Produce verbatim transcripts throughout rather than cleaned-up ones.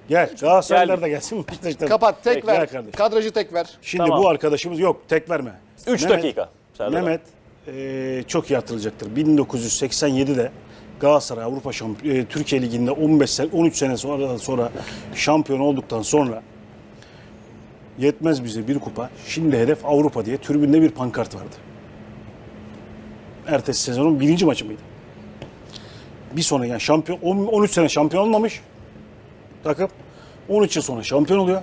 Gel. Galatasaraylılar da gelsin. Beşiktaşlar. Kapat, tek Gel ver. kardeşim. Kadrajı tek ver. Şimdi Tamam. bu arkadaşımız yok. Tek verme. üç Mehmet- dakika. Serdar. Mehmet e, çok iyi hatırlayacaktır. bin dokuz yüz seksen yedide Galatasaray Avrupa Şampiyon e, Türkiye Ligi'nde on beş sene on üç sene sonra sonra şampiyon olduktan sonra yetmez bize bir kupa. Şimdi hedef Avrupa diye tribünde bir pankart vardı. Ertesi sezonun birinci maçı mıydı? Bir sonra yani şampiyon on üç sene şampiyon olmamış takım. on üç yıl sonra şampiyon oluyor.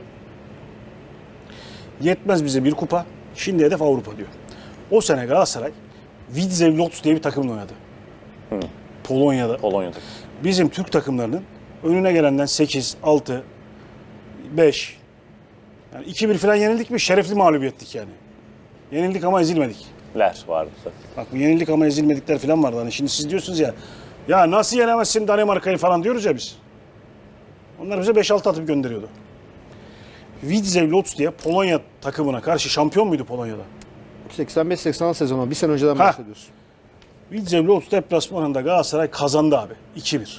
Yetmez bize bir kupa. Şimdi hedef Avrupa diyor. O sene Galatasaray Widzew Łódź diye bir takımla oynadı. Hı. Polonya'da. Polonya'da. Bizim Türk takımlarının önüne gelenden sekiz, altı, beş yani iki bir falan yenildik mi şerefli mağlubiyettik yani. Yenildik ama ezilmedik. Ler vardı. Bak bu yenildik ama ezilmedikler falan vardı. Hani şimdi siz diyorsunuz ya ya nasıl yenemezsin Danimarka'yı falan diyoruz ya biz. Onlar bize beş altı atıp gönderiyordu. Widzew Łódź diye Polonya takımına karşı şampiyon muydu Polonya'da? seksen beş seksen altı sezonu bir sene önceden Ha. bahsediyorsun. Widzew Łódź deplasmanında Galatasaray kazandı abi. iki bir.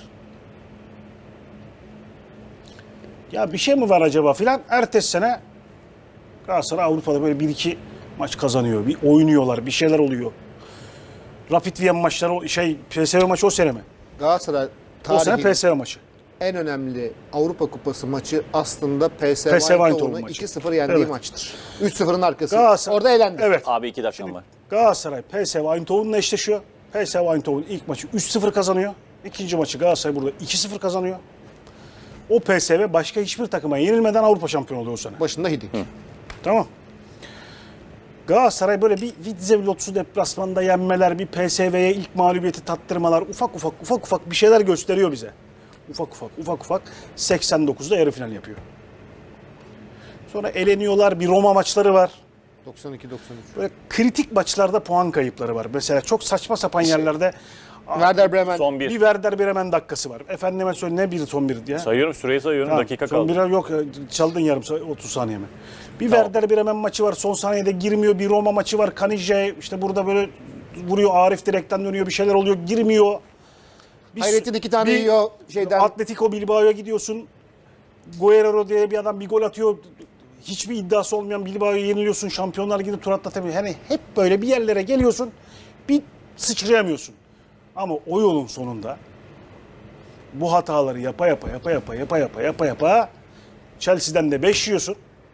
Ya bir şey mi var acaba filan? Ertesi sene Galatasaray Avrupa'da böyle bir iki maç kazanıyor. Bir oynuyorlar, bir şeyler oluyor. Rapid Wien maçları, şey P S V maçı o sene mi? Galatasaray O sene tarihin P S V maçı. en önemli Avrupa Kupası maçı aslında P S V P S V Eindhoven Eindhoven'u maçı. iki sıfır yendiği Evet. maçtır. üç sıfırın arkası. Galatasaray- Orada eğlendi. Evet. Abi iki dakikam var. Galatasaray P S V Eindhoven'la eşleşiyor. P S V Eindhoven ilk maçı üç sıfır kazanıyor. İkinci maçı Galatasaray burada iki sıfır kazanıyor. O P S V başka hiçbir takıma yenilmeden Avrupa şampiyonu oluyor o sene. Başında Hidik. Tamam. Galatasaray böyle bir Widzew Łódź'u deplasmanda yenmeler, bir P S V'ye ilk mağlubiyeti tattırmalar, ufak ufak ufak ufak bir şeyler gösteriyor bize. Ufak ufak ufak ufak seksen dokuzda yarı final yapıyor. Sonra eleniyorlar, bir Roma maçları var. doksan iki doksan üç. Böyle kritik maçlarda puan kayıpları var. Mesela çok saçma sapan yerlerde Werder Bremen. Son bir bir. Werder Bremen dakikası var. Efendime söyle ne bir son bir diye. Sayıyorum süreyi sayıyorum. Ha, dakika son kaldı. birer yok çaldın yarım sa- otuz saniye mi? Bir Tamam. Werder Bremen maçı var son saniyede girmiyor. Bir Roma maçı var. Kanije işte burada böyle vuruyor. Arif direkten dönüyor bir şeyler oluyor girmiyor. Bir, Hayrettin iki tane bir yiyor şeyden. Atletico Bilbao'ya gidiyorsun. Guerrero diye bir adam bir gol atıyor. Hiçbir iddiası olmayan Bilbao'ya yeniliyorsun. Şampiyonlar Ligi'nde tur atlatamıyor. Hani hep böyle bir yerlere geliyorsun. Bir sıçrayamıyorsun. Ama o yolun sonunda bu hataları yapa yapa yapa yapa yapa yapa yapa yapa Chelsea'den de beş yiyorsun.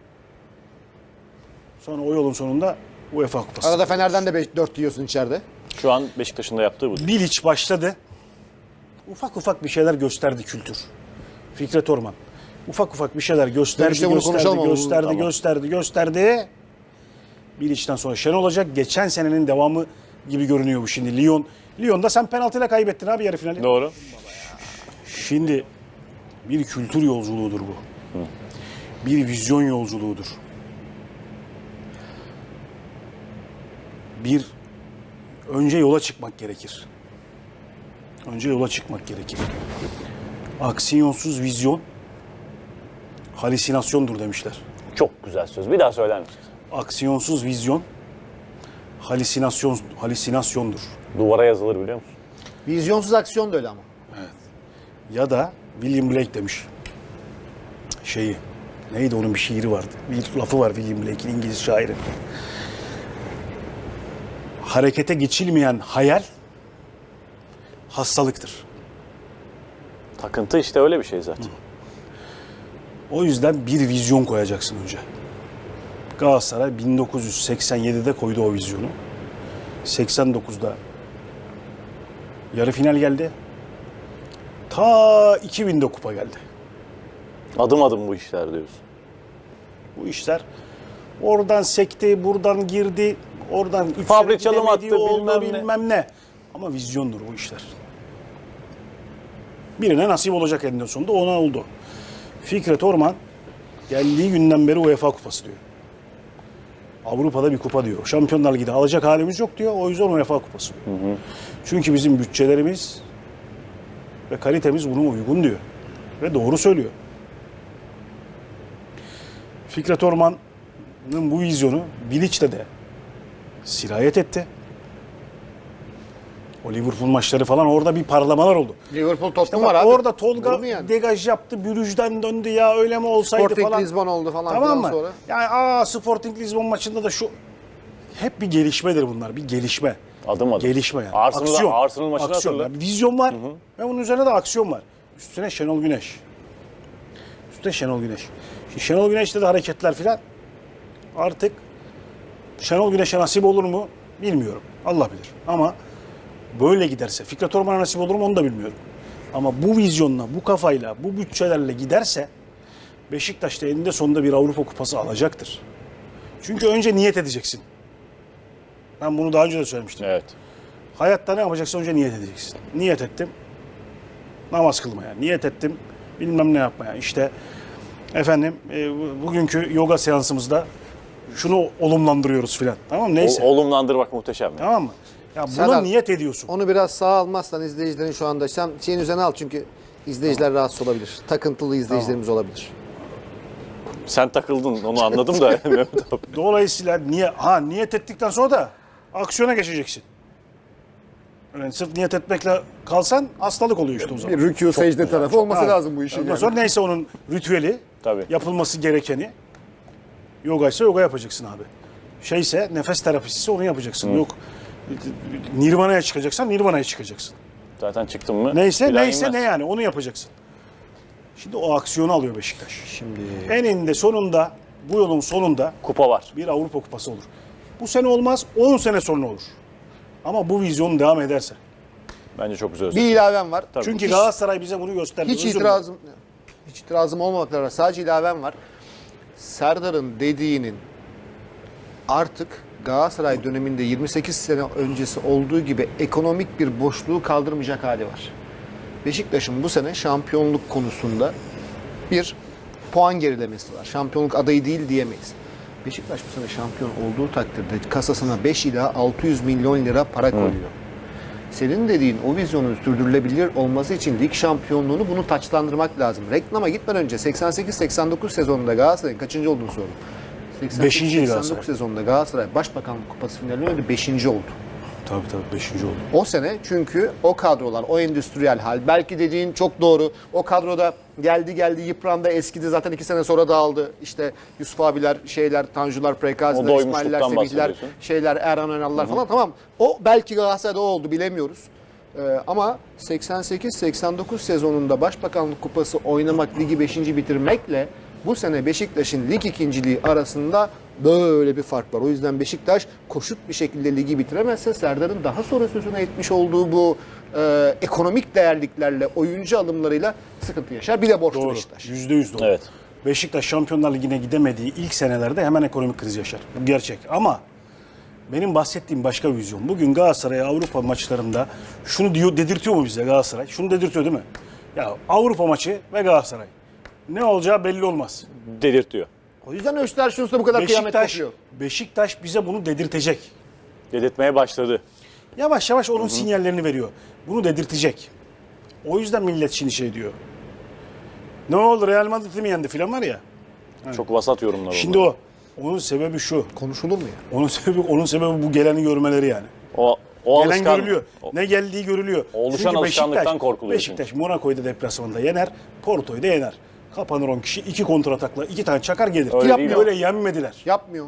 Sonra o yolun sonunda UEFA Kupası. Arada Fener'den de dört yiyorsun içeride. Şu an Beşiktaş'ın da yaptığı bu. Bilic başladı. Ufak ufak bir şeyler gösterdi kültür. Fikret Orman. Ufak ufak bir şeyler gösterdi, Dönüşte bunu gösterdi, konuşalım ama bunu- gösterdi, tamam. gösterdi, gösterdi. Bilic'ten sonra Şen olacak. Geçen senenin devamı gibi görünüyor bu şimdi. Lyon. Lyon'da sen penaltıyla kaybettin abi yarı finali. Doğru. Şimdi bir kültür yolculuğudur bu. Bir vizyon yolculuğudur. Bir önce yola çıkmak gerekir. Önce yola çıkmak gerekir. Aksiyonsuz vizyon halüsinasyondur demişler. Çok güzel söz. Bir daha söyler misin? Aksiyonsuz vizyon halüsinasyon halüsinasyondur. Duvara yazılır biliyor musun? Vizyonsuz aksiyon da öyle ama. Ya da William Blake demiş. Şeyi. Neydi onun bir şiiri vardı. Bir lafı var William Blake'in İngiliz şairi. Harekete geçilmeyen hayal hastalıktır. Takıntı işte öyle bir şey zaten. O yüzden bir vizyon koyacaksın önce. Galatasaray bin dokuz yüz seksen yedide koydu o vizyonu. seksen dokuzda yarı final geldi. Ta iki binde kupa geldi. Adım adım bu işler diyorsun. Bu işler oradan sekti, buradan girdi, oradan üç Fabrik sene çalım gidemedi, attı, oldu, bilmem ne. bilmem ne. Ama vizyondur bu işler. Birine nasip olacak eninde sonunda ona oldu. Fikret Orman geldiği günden beri UEFA Kupası diyor. Avrupa'da bir kupa diyor. Şampiyonlar Ligi'de alacak halimiz yok diyor. O yüzden UEFA Kupası. Hı hı. Çünkü bizim bütçelerimiz ve kalitemiz buna uygun diyor. Ve doğru söylüyor. Fikret Orman'ın bu vizyonu Bilic'te de sirayet etti. O Liverpool maçları falan orada bir parlamalar oldu. Liverpool Tottenham Bak, var abi. orada Olur Tolga mu yani? degaj yaptı, Brugge'den döndü ya öyle mi olsaydı Sporting falan. Lisbon oldu falan Tamam filan mı? sonra. Yani aa Sporting Lisbon maçında da şu hep bir gelişmedir bunlar. Bir gelişme. Adım adım. Gelişme yani. Arsenal, aksiyon. Arsenal maçını aksiyon. hatırla. Yani vizyon var ve bunun üzerine de aksiyon var. Üstüne Şenol Güneş. Üstüne Şenol Güneş. Şimdi Şenol Güneş'te de hareketler filan artık Şenol Güneş'e nasip olur mu bilmiyorum. Allah bilir. Ama böyle giderse Fikret Orman'a nasip olur mu onu da bilmiyorum. Ama bu vizyonla, bu kafayla, bu bütçelerle giderse Beşiktaş da eninde sonunda bir Avrupa Kupası alacaktır. Çünkü önce niyet edeceksin. Ben bunu daha önce de söylemiştim. Evet. Hayatta ne yapacaksın önce niyet edeceksin. Niyet ettim. Namaz kılmaya. Niyet ettim. Bilmem ne yapmaya. İşte efendim e, bugünkü yoga seansımızda şunu olumlandırıyoruz filan. Tamam mı? Neyse. O, olumlandırmak muhteşem. Yani. Tamam mı? Ya buna Serdar, niyet ediyorsun. Onu biraz sağa almazsan izleyicilerin şu anda sen şeyin üzerine al çünkü izleyiciler rahatsız olabilir. Takıntılı izleyicilerimiz olabilir. Sen takıldın onu anladım da Mehmet abi. Dolayısıyla niye ha niyet ettikten sonra da aksiyona geçeceksin. Yani sırf niyet etmekle kalsan hastalık oluyor işte o zaman. Bir rükû secde tarafı olması Ha, lazım bu işin. Ondan Yani. sonra neyse onun ritüeli, Tabii. yapılması gerekeni, yoga ise yoga yapacaksın abi. Şeyse nefes terapisi ise onu yapacaksın. Yok Nirvana'ya çıkacaksan Nirvana'ya çıkacaksın. Zaten çıktın mı? Neyse bir daha neyse inmez. ne yani onu yapacaksın. Şimdi o aksiyonu alıyor Beşiktaş. Şimdi Eninde sonunda bu yolun sonunda Kupa var. bir Avrupa Kupası olur. Bu sene olmaz, on sene sonra olur. Ama bu vizyon devam ederse. Bence çok güzel. bir ilavem var. Tabii. Çünkü Hiç- Galatasaray bize bunu gösterdi. Hiç Özür itirazım hiç itirazım olmamakla beraber sadece ilavem var. Serdar'ın dediğinin artık Galatasaray döneminde yirmi sekiz sene öncesi olduğu gibi ekonomik bir boşluğu kaldırmayacak hali var. Beşiktaş'ın bu sene şampiyonluk konusunda bir puan gerilemesi var. Şampiyonluk adayı değil diyemeyiz. Beşiktaş bu sene şampiyon olduğu takdirde kasasına beş ila altı yüz milyon lira para koyuyor. Senin dediğin o vizyonun sürdürülebilir olması için lig şampiyonluğunu bunu taçlandırmak lazım. Reklama gitmeden önce seksen sekiz seksen dokuz sezonunda Galatasaray'ın kaçıncı olduğunu sordum. Beşinci seksen Galatasaray. dokuz sezonunda Galatasaray Başbakanlık Kupası finalinde oynadı, beşinci oldu. Tabii tabii beşinci oldu. O sene çünkü o kadrolar, o endüstriyel hal, belki dediğin çok doğru. O kadroda geldi geldi yıprandı, eskidi zaten iki sene sonra dağıldı. İşte Yusuf abiler, şeyler, Tanjular, O Prekaziler, doymuşluktan İsmail'ler, Semih'ler, bahsediyorsun. şeyler, Erhan Önal'lar falan tamam. O belki Galatasaray'da o oldu bilemiyoruz. Ee, ama seksen sekiz seksen dokuz sezonunda Başbakanlık Kupası oynamak, ligi beşinci bitirmekle bu sene Beşiktaş'ın lig ikinciliği arasında böyle bir fark var. O yüzden Beşiktaş koşut bir şekilde ligi bitiremezse Serdar'ın daha sonra sözüne etmiş olduğu bu e, ekonomik değerliklerle, oyuncu alımlarıyla sıkıntı yaşar. Bir de borçlu Doğru. Beşiktaş. Yüzde yüz doğru. Evet. Beşiktaş Şampiyonlar Ligi'ne gidemediği ilk senelerde hemen ekonomik kriz yaşar. Bu gerçek. Ama benim bahsettiğim başka bir vizyon. Bugün Galatasaray Avrupa maçlarında şunu diyor, dedirtiyor mu bize Galatasaray? Şunu dedirtiyor değil mi? Ya Avrupa maçı ve Galatasaray. Ne olacağı belli olmaz. Dedirtiyor. O yüzden Östersun'da bu kadar kıyamet Beşiktaş, kopuyor. Beşiktaş bize bunu dedirtecek. Dedirtmeye başladı. Yavaş yavaş onun sinyallerini veriyor. Bunu dedirtecek. O yüzden millet şimdi şey diyor. Ne oldu Real Madrid'i mi yendi filan var ya. Çok vasat yorumlar oldu. Şimdi o. Onun sebebi şu. Konuşulur mu ya? Onun sebebi onun sebebi bu geleni görmeleri yani. O, o Gelen alışkan, görülüyor. o- Ne geldiği görülüyor. Oluşan Çünkü alışkanlıktan Beşiktaş- korkuluyor Beşiktaş Monaco'yu da deplasmanda yener. Porto'yu da yener. Kapanır on kişi. iki kontratakla iki tane çakar gelir. Öyle Yapmıyor. değil Öyle yenmediler. Yapmıyor.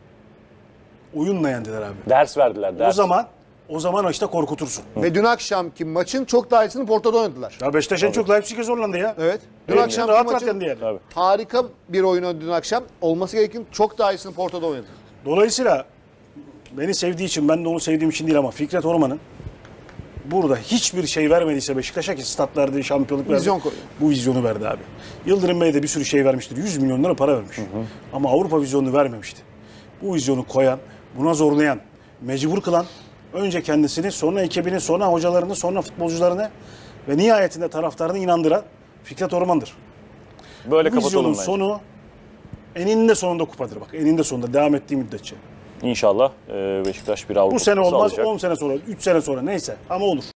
Oyunla yendiler abi. ders verdiler. Ders. O zaman o zaman işte korkutursun. Ve dün akşamki maçın çok daha iyisini Porto'da oynadılar. Ya Beşiktaş en çok Leipzig'e zorlandı ya. Evet. Dün Dün akşam rahat rahat maçın yendi yani. Tabii. harika bir oyunu dün akşam. Olması gereken çok daha iyisini Porto'da oynadı. Dolayısıyla beni sevdiği için, ben de onu sevdiğim için değil ama Fikret Orman'ın burada hiçbir şey vermediyse Beşiktaş'a ki stat verdi, şampiyonluk verdi. Vizyon koyuyor. Bu vizyonu verdi abi. Yıldırım Bey de bir sürü şey vermiştir. yüz milyon lira para vermiş. Ama Avrupa vizyonunu vermemişti. Bu vizyonu koyan, buna zorlayan, mecbur kılan önce kendisini, sonra ekibini, sonra hocalarını, sonra futbolcularını ve nihayetinde taraftarını inandıran Fikret Orman'dır. Böyle Bu kapatalım vizyonun bence. sonu eninde sonunda kupadır bak. Eninde sonunda devam ettiği müddetçe. İnşallah e, Beşiktaş bir Avrupa Bu sene Kupası olmaz, alacak. on sene sonra, üç sene sonra neyse ama olur.